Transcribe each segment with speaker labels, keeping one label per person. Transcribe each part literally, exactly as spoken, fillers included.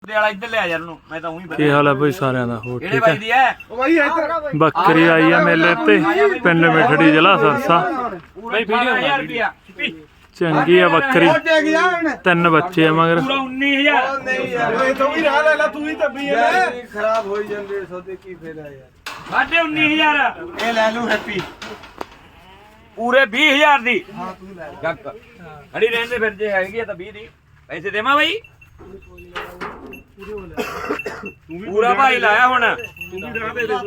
Speaker 1: ਇੱਧਰ ਲਿਆ ਯਾਰ ਨੂੰ ਮੈਂ ਤਾਂ ਉਹੀ
Speaker 2: ਕੀ ਹਾਲ ਹੈ ਬਈ ਸਾਰਿਆਂ ਦਾ? ਹੋਰ
Speaker 1: ਕਿਹੜੇ
Speaker 2: ਠੀਕ
Speaker 1: ਬਾਈ
Speaker 2: ਹੈ?
Speaker 1: ਦੀ ਹੈ
Speaker 2: ਬੱਕਰੀ ਆਈ ਆ ਮੇਲੇ ਤੇ ਪਿੰਡ ਮਿਠੜੀ ਜ਼ਿਲ੍ਹਾ ਸਰਸਾ।
Speaker 1: ਬਈ ਵੀਡੀਓ ਹਜ਼ਾਰ ਰੁਪਿਆ
Speaker 2: ਚੰਗੀ ਆ ਬੱਕਰੀ, ਤਿੰਨ ਬੱਚੇ ਆ ਮਗਰ।
Speaker 1: ਪੂਰਾ ਉੱਨੀ ਹਜ਼ਾਰ
Speaker 3: ਨਹੀਂ ਯਾਰ ਤੂੰ ਵੀ ਰਾਹ ਲੈ ਲੈ, ਤੂੰ ਹੀ ਦੱਬੀ ਐ। ਖਰਾਬ ਹੋਈ ਜਾਂਦੇ ਸੌਦੇ, ਕੀ ਫਾਇਦਾ ਯਾਰ।
Speaker 1: ਸਾਢੇ ਉੱਨੀ ਹਜ਼ਾਰ
Speaker 3: ਇਹ ਲੈ ਲੂ ਹੈਪੀ
Speaker 1: ਪੂਰੇ ਵੀਹ ਹਜ਼ਾਰ ਦੀ।
Speaker 3: ਹਾਂ ਤੂੰ ਲੈ
Speaker 1: ਗੱਕ ਖੜੀ ਰਹਿੰਦੇ ਫਿਰ ਜੇ ਹੈਗੀ ਆ ਤਾਂ ਵੀਹ ਦੀ ਪੈਸੇ ਦੇਵਾਂ ਬਾਈ। ਪੂਰਾ ਭਾਈ ਲਾਇਆ ਹੁਣ ਤੂੰ ਵੀ ਰਾਹ ਦੇ ਦੇ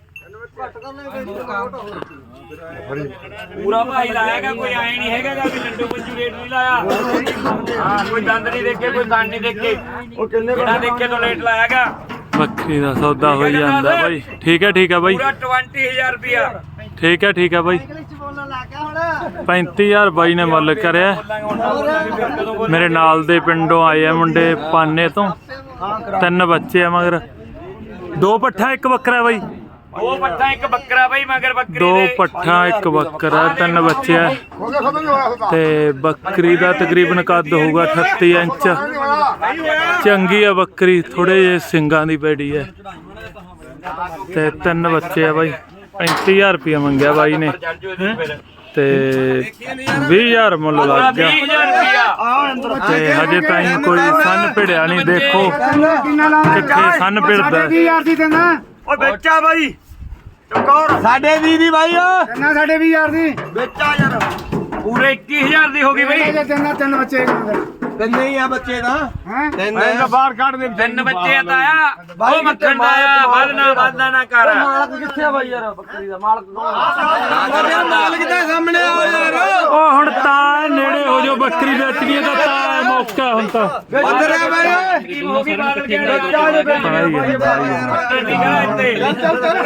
Speaker 1: ਪੂਰਾ ਭਾਈ ਲਾਇਆਗਾ, ਕੋਈ ਆਏ ਨਹੀਂ ਹੈਗਾ ਵੀ ਲੱਡੂ ਪੰਜੂ ਰੇਟ ਨਹੀਂ ਲਾਇਆ। ਹਾਂ ਕੋਈ ਦੰਦ ਨਹੀਂ ਦੇਖੇ, ਕੋਈ ਕੰਨ ਨਹੀਂ ਦੇਖੇ, ਉਹ ਕਿੰਨੇ ਬਿਨਾ ਦੇਖੇ ਤੋਂ ਰੇਟ ਲਾਇਆਗਾ।
Speaker 2: ਬੱਕਰੀ ਦਾ ਸੌਦਾ ਹੋਈ ਜਾਂਦਾ ਬਾਈ। ਠੀਕ ਹੈ ਠੀਕ ਹੈ ਬਾਈ,
Speaker 1: ਪੂਰਾ ਵੀਹ ਹਜ਼ਾਰ ਰੁਪਿਆ।
Speaker 2: ਠੀਕ ਹੈ ਠੀਕ ਹੈ ਬਾਈ। ਪੈਂਤੀ ਹਜ਼ਾਰ ਬਾਈ ਨੇ ਮੁੱਲ ਕਰਿਆ। ਮੇਰੇ ਨਾਲ ਦੇ ਪਿੰਡੋਂ ਆਏ ਆ ਮੁੰਡੇ ਪਾਨੇ ਤੋਂ, ਤਿੰਨ ਬੱਚੇ ਆ ਮਗਰ। ਦੋ ਪੱਠਾ ਇੱਕ ਬੱਕਰਾ ਬਾਈ।
Speaker 1: ਦੋ ਪੱਠਾ ਇੱਕ ਬੱਕਰਾ ਬਾਈ ਮਗਰ ਬੱਕਰੀ
Speaker 2: ਦੋ
Speaker 1: ਦੇ।
Speaker 2: ਪੱਠਾ ਇੱਕ ਬੱਕਰਾ, ਤਿੰਨ ਬੱਚੇ ਆ ਤੇ ਬੱਕਰੀ ਦਾ ਤਕਰੀਬਨ ਕੱਦ ਹੋਊਗਾ ਅਠੱਤੀ ਇੰਚ। ਚੰਗੀ ਆ ਬੱਕਰੀ, ਥੋੜੇ ਜਿਹੇ ਸਿੰਗਾਂ ਦੀ ਪੈੜੀ ਹੈ ਤੇ ਤਿੰਨ ਬੱਚੇ ਆ ਬਾਈ। ਪੈਂਤੀ ਹਜ਼ਾਰ ਰੁਪਇਆ ਮੰਗਿਆ ਬਾਈ ਨੇ ਤੇ ਵੀਹ ਹਜ਼ਾਰ ਮੁੱਲ ਲੱਗ ਗਿਆ ਤੇ ਹਜੇ ਤਾਈਂ ਕੋਈ ਸੰਨ ਭਿੜਿਆ ਨਹੀਂ। ਦੇਖੋ ਕਿੱਥੇ ਸੰਨ ਭਿੜਦਾ।
Speaker 1: ਓਏ ਬੱਚਾ ਬਾਈ ਚੁੱਕੌਰ
Speaker 3: ਸਾਡੇ ਵੀਹ ਦੀ ਬਾਈ ਓ
Speaker 4: ਤਿੰਨਾਂ ਸਾਡੇ ਵੀਹ ਹਜ਼ਾਰ ਦੀ
Speaker 1: ਬੱਚਾ ਯਾਰ ਪੂਰੇ ਇੱਕੀ ਹਜ਼ਾਰ ਦੀ ਹੋ ਗਈ ਬਾਈ।
Speaker 4: ਤਿੰਨਾਂ ਤਿੰਨ ਬੱਚੇ
Speaker 3: ਤਿੰਨ ਹੀ ਆ ਬੱਚੇ ਦਾ
Speaker 4: ਹੈ
Speaker 3: ਤਿੰਨ
Speaker 4: ਬਾਹਰ ਕੱਢ ਦੇ।
Speaker 1: ਤਿੰਨ ਬੱਚੇ ਆ ਤਾਇਆ, ਉਹ ਮੱਖਣ ਦਾ ਆ। ਵਧਣਾ ਵਧਣਾ ਨਾ ਕਰ।
Speaker 3: ਮਾਲਕ ਕਿੱਥੇ ਆ ਬਾਈ ਯਾਰ? ਬੱਕਰੀ ਦਾ ਮਾਲਕ ਕੌਣ? ਮਾਲਕ ਦੇ ਸਾਹਮਣੇ ਆ ਯਾਰ।
Speaker 2: ਉਹ ਹੁਣ ਤਾਂ ਨੇੜੇ ਹੋ ਜੋ, ਬੱਕਰੀ ਵੇਚ ਗਈ ਤਾਂ ਤਾਂ ਮੌਕਾ ਹੁਣ ਤਾਂ
Speaker 3: ਉਧਰ ਆ ਬਾਈ
Speaker 1: ਕੀ ਹੋ ਗਈ ਬਾਦਲ ਗਿਆ
Speaker 3: ਬੱਚਾ ਜੇ ਬੈਠ
Speaker 2: ਭਾਈ ਹੈ, ਭਾਈ ਹੈ।
Speaker 1: ਨਿਗਾਹ ਇੱਥੇ
Speaker 3: ਚੱਲ ਚੱਲ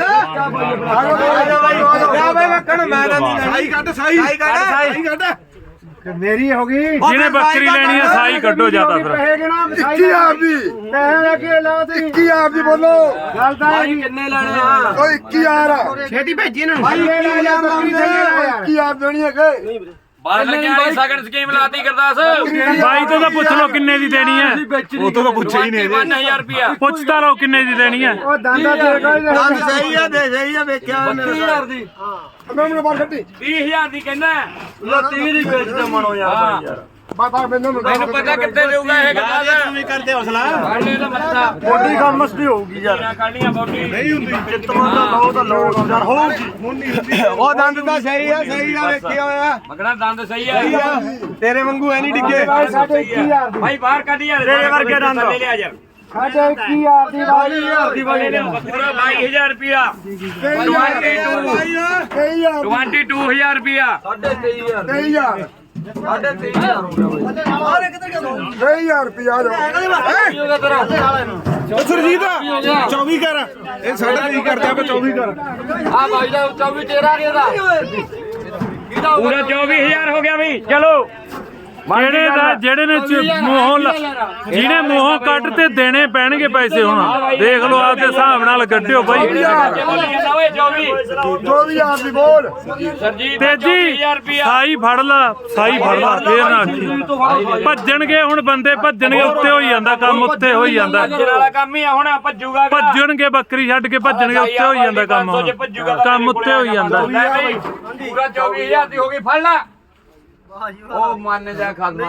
Speaker 3: ਆ ਬਾਈ ਮੱਖਣ ਮੈਂ ਤਾਂ ਨਹੀਂ ਸਾਈ ਕੱਢ ਸਾਈ ਸਾਈ ਕੱਢ ਸਾਈ ਕੱਢ
Speaker 4: ਮੇਰੀ ਹੋ ਗਈ।
Speaker 2: ਜਿਹਨੇ ਬੱਕਰੀ ਲੈਣੀ ਆ ਸਾਈ ਕੱਢੋ ਜਿਆਦਾ ਫਿਰ।
Speaker 4: ਪੈਸੇ ਗਿਣਾ
Speaker 3: ਇੱਕੀ ਆਪ ਦੀ
Speaker 4: ਪੈਸੇ ਲੈ ਕੇ ਲਾ ਤੇ
Speaker 3: ਇੱਕੀ ਆਪ ਦੀ ਬੋਲੋ।
Speaker 4: ਗੱਲ ਤਾਂ ਹੈ ਜੀ।
Speaker 1: ਕਿੰਨੇ ਲੈਣੇ ਆ?
Speaker 3: ਓ ਇੱਕੀ ਯਾਰ
Speaker 4: ਛੇਤੀ ਭੇਜੀ ਇਹਨਾਂ ਨੂੰ।
Speaker 3: ਭਾਈ ਇਹ ਲੈ ਜਾ ਬੱਕਰੀ ਦੇ ਇੱਕੀ ਆਪ ਦੇਣੀ ਹੈ ਕਿ
Speaker 1: ਬਾਦਲ ਲੱਗਿਆ ਵਾਲੀ ਸਗਨ ਸਕੀਮ ਲਾਤੀ ਗੁਰਦਾਸ।
Speaker 2: ਬਾਈ ਤੋਂ ਤਾਂ ਪੁੱਛ ਲਓ ਕਿੰਨੇ ਦੀ ਦੇਣੀ ਹੈ।
Speaker 3: ਉਹ ਤੋਂ ਤਾਂ ਪੁੱਛਿਆ ਹੀ ਨਹੀਂ
Speaker 1: ਬਾਵਨ ਹਜ਼ਾਰ ਰੁਪਿਆ।
Speaker 2: ਪੁੱਛ ਤਾਂ ਲਓ ਕਿੰਨੇ ਦੀ ਦੇਣੀ ਹੈ।
Speaker 4: ਉਹ ਦਾਦਾ ਦੇ ਕੋਈ
Speaker 3: ਦੰਦ ਸਹੀ ਆ ਦੇ ਸਹੀ ਆ ਵੇਖਿਆ
Speaker 1: ਬੱਤੀ ਹਜ਼ਾਰ ਦੀ।
Speaker 3: ਮੈਂ ਮੈਨੂੰ ਬਾਹਰ ਕੱਢੀ
Speaker 1: ਵੀਹ ਹਜ਼ਾਰ ਦੀ ਕਹਿੰਦਾ।
Speaker 3: ਲੋ ਤੀਹ ਦੀ ਵੇਚਦਾ ਮਣੋ ਯਾਰ ਬਾਈ ਯਾਰ
Speaker 4: ਬਾ ਬਾ ਮੈਨੂੰ
Speaker 1: ਮੈਨੂੰ ਪਤਾ ਕਿੱਥੇ ਦੇਊਗਾ ਇਹ ਗੁਰਦਾਸ।
Speaker 3: ਤੂੰ ਵੀ ਕਰਦੇ ਹੌਸਲਾ
Speaker 1: ਕਾਲੇ ਦਾ ਮੱਥਾ
Speaker 3: ਬੋਡੀ ਗਮਸ ਵੀ ਹੋਊਗੀ ਯਾਰ
Speaker 1: ਕਾਲੀਆਂ ਬੋਡੀ
Speaker 3: ਨਹੀਂ ਹੁੰਦੀ ਜਿੱਤਵਾਂ ਦਾ ਲਓ ਤਾਂ ਲਓ ਯਾਰ ਹੋਊਗੀ ਹੁਣ ਨਹੀਂ ਹੁੰਦੀ। ਉਹ ਦੰਦ ਤਾਂ ਸਹੀ ਆ ਸਹੀ ਆ ਵੇਖਿਆ ਹੋਇਆ
Speaker 1: ਮਗਣਾ ਦੰਦ ਸਹੀ ਆ।
Speaker 3: ਸਹੀ ਆ ਤੇਰੇ ਵਾਂਗੂ ਐ ਨਹੀਂ ਡਿੱਗੇ
Speaker 4: ਸਾਡੇ ਇੱਕੀ ਹਜ਼ਾਰ ਦੀ।
Speaker 1: ਭਾਈ ਬਾਹਰ ਕੱਢ ਯਾਰ
Speaker 3: ਤੇਰੇ ਵਰਗੇ ਦੰਦ।
Speaker 1: ਲੈ ਲਿਆ ਯਾਰ
Speaker 4: ਸਾਡੇ ਇੱਕੀ ਹਜ਼ਾਰ ਦੀ
Speaker 3: ਬਾਈ ਹਜ਼ਾਰ ਦੀ ਬਾਈ
Speaker 1: ਪੂਰਾ ਬਾਈ ਹਜ਼ਾਰ ਰੁਪਿਆ।
Speaker 3: ਬਾਈ ਆ ਕਈ ਆ
Speaker 1: ਬਾਈ ਹਜ਼ਾਰ ਰੁਪਿਆ।
Speaker 3: ਸਾਢੇ ਤੇਈ ਹਜ਼ਾਰ ਤੇਈ ਹਜ਼ਾਰ ਸਾਢੇ ਤੇਈ ਹਜ਼ਾਰ ਹੋ ਗਿਆ ਬਾਈ ਤੇਈ ਹਜ਼ਾਰ ਰੁਪਿਆ ਜੋ ਸਰਜੀਤ ਚੌਵੀ ਕਰ ਇਹ ਸਾਡਾ ਕੀ ਕਰਦਾ ਆਪਾਂ ਚੌਵੀ ਕਰ
Speaker 1: ਆ ਭਾਈ ਦਾ ਚੌਵੀ ਤੇਰਾ ਕਿਹਦਾ ਪੂਰਾ ਚੌਵੀ ਹਜ਼ਾਰ ਹੋ ਗਿਆ ਬਈ। ਚਲੋ
Speaker 2: ਜਿਹੜੇ ਦਾ ਜਿਹੜੇ ਨੇ ਚ- ਮੂੰਹੋਂ ਲ- ਜਿਹਨੇ ਮੂੰਹੋਂ ਕੱਢ ਤੇ ਦੇਣੇ ਪੈਣਗੇ ਪੈਸੇ। ਹੁਣ ਦੇਖ ਲਓ ਆਪਦੇ ਹਿਸਾਬ ਨਾਲ ਕੱਢਿਓ ਬਾਈ।
Speaker 1: ਓਏ ਚੌਵੀ
Speaker 3: ਚੌਵੀ ਹਜ਼ਾਰ ਦੀ ਬੋਲ
Speaker 1: ਸਰਜੀਤ
Speaker 2: ਤੇਜੀ
Speaker 1: ਹਜ਼ਾਰ ਰੁਪਿਆ।
Speaker 2: ਸਾਈ ਫੜ ਲਾ, ਸਾਈ ਫੜ ਲਾ ਫੇਰ ਨਾ ਆਖੀ। ਭੱਜਣਗੇ ਹੁਣ ਬੰਦੇ, ਭੱਜਣਗੇ ਉੱਤੇ ਹੋਈ ਜਾਂਦਾ ਕੰਮ, ਉੱਤੇ ਹੋਈ ਜਾਂਦਾ।
Speaker 1: ਭੱਜਣ ਵਾਲਾ ਕੰਮ ਹੀ ਆ ਹੁਣ ਭੱਜੂਗਾ।
Speaker 2: ਭੱਜਣਗੇ ਬੱਕਰੀ ਛੱਡ ਕੇ ਭੱਜਣਗੇ, ਉੱਤੇ ਹੋਈ ਜਾਂਦਾ ਕੰਮ ਹੁਣ। ਕੰਮ ਉੱਤੇ ਹੋਈ ਜਾਂਦਾ।
Speaker 1: ਪੂਰਾ ਚੌਵੀ ਹਜ਼ਾਰ ਦੀ ਹੋ ਗਈ। ਫੜ ਲਾ ਉਹ ਮੰਨ ਜਾ ਖਾਦਮਾ।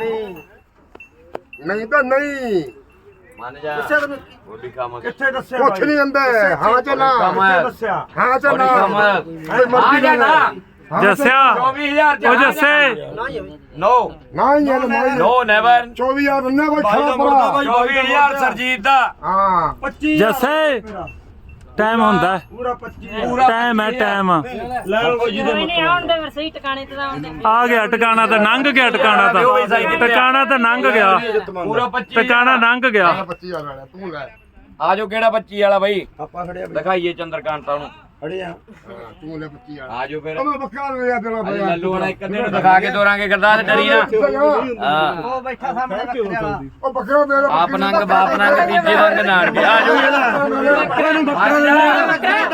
Speaker 3: ਨਹੀਂ ਤਾਂ ਨਹੀਂ
Speaker 1: ਮੰਨ ਜਾ ਬੋਡੀ ਕੰਮ
Speaker 3: ਕਿੱਥੇ ਦੱਸਿਆ ਕੁਛ ਨਹੀਂ ਜਾਂਦਾ ਹਾਂ ਚੱਲ
Speaker 1: ਦੱਸਿਆ
Speaker 3: ਹਾਂ ਚੱਲ
Speaker 1: ਆ ਜਾ ਨਾ
Speaker 2: ਜੱਸਿਆ
Speaker 1: ਚੌਵੀ ਹਜ਼ਾਰ
Speaker 2: ਉਹ ਜੱਸੇ
Speaker 1: ਨੋ
Speaker 3: ਨਾ ਯਾਰ ਨਹੀਂ
Speaker 1: ਨੋ ਨੈਵਰ
Speaker 3: ਚੌਵੀ ਹਜ਼ਾਰ ਬੰਨਾ ਕੋਈ ਖਾ ਪਰਾ
Speaker 1: ਚੌਵੀ ਹਜ਼ਾਰ ਸਰਜੀਤ ਦਾ।
Speaker 3: ਹਾਂ
Speaker 2: ਜੱਸੇ ਟਾਈਮ ਹੁੰਦਾ
Speaker 3: ਪੂਰਾ ਪੱਚੀ
Speaker 2: ਟਾਈਮ ਹੈ ਟਾਈਮ
Speaker 5: ਨਹੀਂ ਆਉਣ ਦੇ ਫਿਰ ਸਹੀ ਟਿਕਾਣੇ ਤੇ ਆਉਣ ਦੇ।
Speaker 2: ਆ ਗਿਆ ਟਿਕਾਣਾ ਤਾਂ ਲੰਘ ਗਿਆ। ਟਿਕਾਣਾ ਤਾਂ ਟਿਕਾਣਾ ਤਾਂ ਲੰਘ ਗਿਆ।
Speaker 1: ਪੂਰਾ ਪੱਚੀ
Speaker 2: ਟਿਕਾਣਾ ਲੰਘ ਗਿਆ।
Speaker 3: ਪੱਚੀ ਹਜ਼ਾਰ ਵਾਲਾ ਤੂੰ ਲੈ
Speaker 1: ਆ ਜਾਓ ਕਿਹੜਾ ਪੱਚੀ ਵਾਲਾ ਬਾਈ
Speaker 3: ਆਪਾਂ ਖੜਿਆ
Speaker 1: ਦਿਖਾਈਏ ਚੰਦਰਕਾਂਤਾ ਨੂੰ।
Speaker 3: ਖੜੇ ਆ ਤੂੰ ਲੈ ਪੱਚੀ ਹਜ਼ਾਰ
Speaker 1: ਆ ਜਾਓ ਫਿਰ
Speaker 3: ਉਹ ਮੈਂ ਬੱਕਾ ਲਿਆ ਤੇਰਾ
Speaker 1: ਅੱਜ ਲੱਲੂ ਵਾਲਾ ਇੱਕ ਦਿਨ ਦਿਖਾ ਕੇ ਦੋਰਾਂਗੇ ਗਰਦਾਸ ਡਰੀ ਨਾ। ਹਾਂ
Speaker 4: ਉਹ ਬੈਠਾ ਸਾਹਮਣੇ ਬੱਕਰੇ ਵਾਲਾ।
Speaker 3: ਉਹ ਬੱਕਰਾ ਮੇਰਾ
Speaker 1: ਆਪ ਨੰਗ ਬਾਪ ਨੰਗ ਤੀਜੇ ਨੰਗ ਨਾੜ ਵੀ ਆ ਜਾਓ
Speaker 4: ਬੱਕਰੇ ਨੂੰ ਬੱਕਰਾ ਬੱਕਰਾ ਤਾਂ ਕਰੋ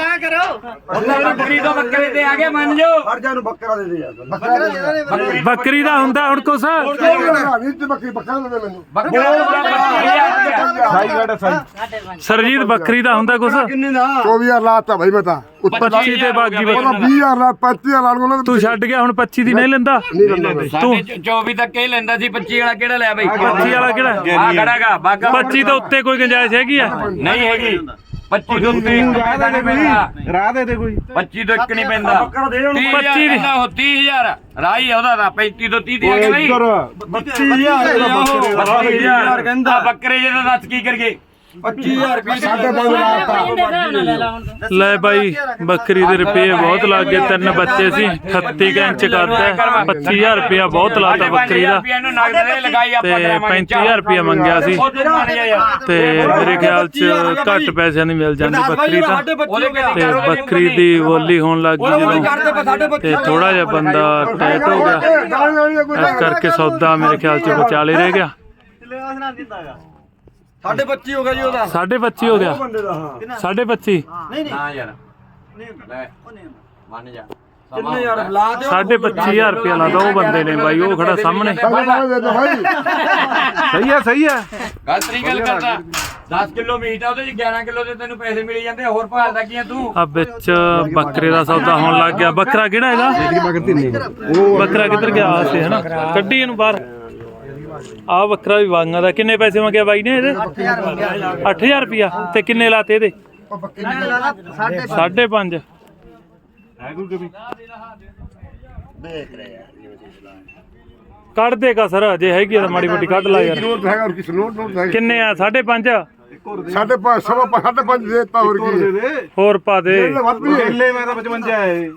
Speaker 1: ਉਹਨਾਂ ਬੱਕਰੀ ਤੋਂ ਬੱਕਰੇ ਤੇ ਆ ਗਏ ਮੰਨ ਜਾਓ
Speaker 3: ਹਰ ਜਾ ਨੂੰ ਬੱਕਰਾ ਦੇ ਦੇ ਯਾਰ ਬੱਕਰਾ ਦੇ ਦੇ
Speaker 2: ਬੱਕਰੀ ਦਾ ਹੁੰਦਾ ਹੁਣ ਕੁਛ
Speaker 3: ਬੱਕਰੀ ਬੱਕਰਾ ਦੇ ਦੇ ਮੈਨੂੰ
Speaker 1: ਬੱਕਰਾ
Speaker 3: ਸਾਈ ਗਾੜਾ ਸਾਈ
Speaker 2: ਸਰਜੀਤ ਬੱਕਰੀ ਦਾ ਹੁੰਦਾ ਕੁਛ
Speaker 3: ਕਿੰਨੇ ਦਾ
Speaker 4: ਚੌਵੀ ਹਜ਼ਾਰ ਲਾਤਾ ਭਾਈ ਮੈਂ ਤਾਂ
Speaker 2: ਪੱਚੀ ਤੇ ਬਾਗੀ
Speaker 4: ਉਹਨਾਂ
Speaker 2: ਬੱਕਰੀ
Speaker 4: ਵੀਹ ਹਜ਼ਾਰ ਲਾ ਪੈਂਤੀ ਹਜ਼ਾਰ ਲਾ ਉਹਨਾਂ
Speaker 2: ਤੂੰ ਛੱਡ ਗਿਆ ਹੁਣ ਪੱਚੀ ਦੀ ਨਹੀਂ ਲੈਂਦਾ
Speaker 4: ਨਹੀਂ ਲੈਂਦਾ ਮੈਂ।
Speaker 1: ਸਾਡੇ ਚੌਵੀ ਤੱਕ ਇਹ ਲੈਂਦਾ ਸੀ ਪੱਚੀ ਵਾਲਾ ਕਿਹੜਾ ਲਿਆ ਬਈ
Speaker 2: ਪੱਚੀ ਵਾਲਾ ਕਿਹੜਾ
Speaker 1: ਆ ਖੜਾਗਾ ਬਾਗਾ
Speaker 2: ਪੱਚੀ ਤੋਂ ਉੱਤੇ ਕੋਈ ਗੁੰਜਾਇਸ਼ ਹੈਗੀ ਆ
Speaker 1: ਨਹੀਂ ਹੈਗੀ ਪੱਚੀ ਤੋਂ ਉੱਤੇ ਰਾਹ ਦੇ ਕੋਈ
Speaker 3: ਰਾਹ ਦੇ ਦੇ ਕੋਈ
Speaker 1: ਪੱਚੀ ਤੋਂ ਇੱਕ ਨਹੀਂ ਪੈਂਦਾ
Speaker 3: ਬੱਕਰਾ ਦੇ ਉਹਨੂੰ
Speaker 1: ਪੱਚੀ ਦੀ ਉਹ ਤੀਹ ਹਜ਼ਾਰ ਰਾਹੀ ਉਹਦਾ ਤਾਂ ਪੈਂਤੀ ਤੋਂ ਤੀਹ ਦੀ ਆ ਕੇ ਨਹੀਂ
Speaker 3: ਬੱਤੀ ਹਜ਼ਾਰ ਦਾ ਬੱਕਰੇ ਦਾ
Speaker 1: ਬੱਤੀ ਹਜ਼ਾਰ ਕਹਿੰਦਾ ਬੱਕਰੇ ਜਿਹਦਾ ਦੱਸ ਕੀ ਕਰਗੇ
Speaker 3: ਪੱਚੀ ਹਜ਼ਾਰ ਰੁਪਏ
Speaker 4: ਸਾਢੇ ਪੰਜ ਲਾਤਾ
Speaker 5: ਇਹਦੇ ਹਿਸਾਬ ਨਾਲ ਲੈ ਲਾ ਹੁਣ ਤੂੰ।
Speaker 2: ਲੈ ਬਾਈ ਬੱਕਰੀ ਦੇ ਰੁਪਏ ਬਹੁਤ ਲੱਗ ਗਏ ਤਿੰਨ ਬੱਚੇ ਸੀ ਅਠੱਤੀ ਇੰਚ ਕਰਦਾ ਪੱਚੀ ਹਜ਼ਾਰ ਰੁਪਇਆ ਬਹੁਤ ਲਾਤਾ ਬੱਕਰੀ ਦਾ
Speaker 1: ਇਹਨੂੰ ਨਗਦ ਦੇ ਲਗਾਈ ਆਪਾਂ
Speaker 2: ਤੇ ਪੈਂਤੀ ਹਜ਼ਾਰ ਰੁਪਇਆ ਮੰਗਿਆ ਸੀ ਤੇ ਮੇਰੇ ਖਿਆਲ ਚ ਘੱਟ ਪੈਸਿਆਂ ਦੀ ਮਿਲ ਜਾਂਦੀ ਬੱਕਰੀ ਤਾਂ ਤੇ ਬੱਕਰੀ ਦੀ ਬੋਲੀ ਹੋਣ ਲੱਗ ਗਈ ਜਦੋਂ ਤੇ ਥੋੜਾ ਜਿਹਾ ਬੰਦਾ ਟਾਈਟ ਹੋ ਗਿਆ ਇਸ ਕਰਕੇ ਸੌਦਾ ਮੇਰੇ ਖਿਆਲ ਚ ਵਿਚਾਲੇ ਰਹਿ ਗਿਆ
Speaker 3: ਸਾਡੇ ਬੱਚੀ ਹੋ ਗਿਆ ਜੀ ਉਹਦਾ
Speaker 2: ਸਾਢੇ ਪੱਚੀ ਹੋ ਗਿਆ
Speaker 3: ਬੰਦੇ ਦਾ ਹਾਂ
Speaker 2: ਸਾਢੇ ਪੱਚੀ
Speaker 1: ਨਾ ਯਾਰ ਲੈ ਮੰਨ ਜਾ
Speaker 3: ਕਿੰਨੇ ਯਾਰ ਲਾ ਦਿਓ
Speaker 2: ਸਾਢੇ ਪੱਚੀ ਹਜ਼ਾਰ ਰੁਪਇਆ ਲਾਦਾ ਉਹ ਬੰਦੇ ਨੇ ਬਾਈ ਉਹ ਖੜਾ ਸਾਹਮਣੇ
Speaker 4: ਦੇ ਦੋ ਭਾਈ
Speaker 2: ਸਹੀ ਆ ਸਹੀ ਆ
Speaker 1: ਗਲਤਰੀ ਗੱਲ ਕਰਦਾ ਦਸ ਕਿਲੋ ਮੀਟ ਆ ਉਹਦੇ ਚ ਗਿਆਰਾਂ ਕਿਲੋ ਦੇ ਤੈਨੂੰ ਪੈਸੇ ਮਿਲ ਜਾਂਦੇ ਹੋਰ ਭਾਲਦਾ ਕੀ ਆ ਤੂੰ
Speaker 2: ਆ ਵਿੱਚ ਬੱਕਰੇ ਦਾ ਸੌਦਾ ਹੋਣ ਲੱਗ ਗਿਆ ਬੱਕਰਾ ਕਿਹੜਾ ਇਹਦਾ ਬੱਕਰਾ ਕਿੱਧਰ ਗਿਆ ਆ ਸੀ ਹਨਾ ਕੱਢੀ ਇਹਨੂੰ ਬਾਹਰ ਆ ਬੱਕਰਾ ਵੀ ਵਾਂਗਾ ਦਾ ਕਿੰਨੇ ਪੈਸੇ ਮੰਗਿਆ ਬਾਈ ਨੇ ਇਹਦੇ ਅੱਠ ਹਜ਼ਾਰ ਰੁਪਇਆ ਤੇ ਕਿੰਨੇ ਲਾਤੇ ਇਹਦੇ ਸਾਢੇ ਪੰਜ ਕੱਢ ਦੇ ਕਸਰ ਜੇ ਹੈਗੀ ਆ ਤਾਂ ਮਾੜੀ ਮੋਟੀ ਕੱਢ ਲਾ ਯਾਰ
Speaker 4: ਨੋਟ ਹੈਗਾ ਕਿਸ ਨੋਟ ਨੋਟ ਹੈਗਾ
Speaker 2: ਕਿੰਨੇ ਆ ਸਾਢੇ ਪੰਜ
Speaker 4: ਸਾਢੇ ਪੰਜ ਸਵਾ ਸਾਢੇ ਪੰਜ ਦੇਤਾ ਹੋਰ ਕੀ
Speaker 2: ਹੋਰ ਪਾ ਦੇ
Speaker 4: ਵੱਧ ਵੀ
Speaker 3: ਢੇਲੇ ਮੈਂ ਤਾਂ ਪਚਵੰਜਾ ਹੈ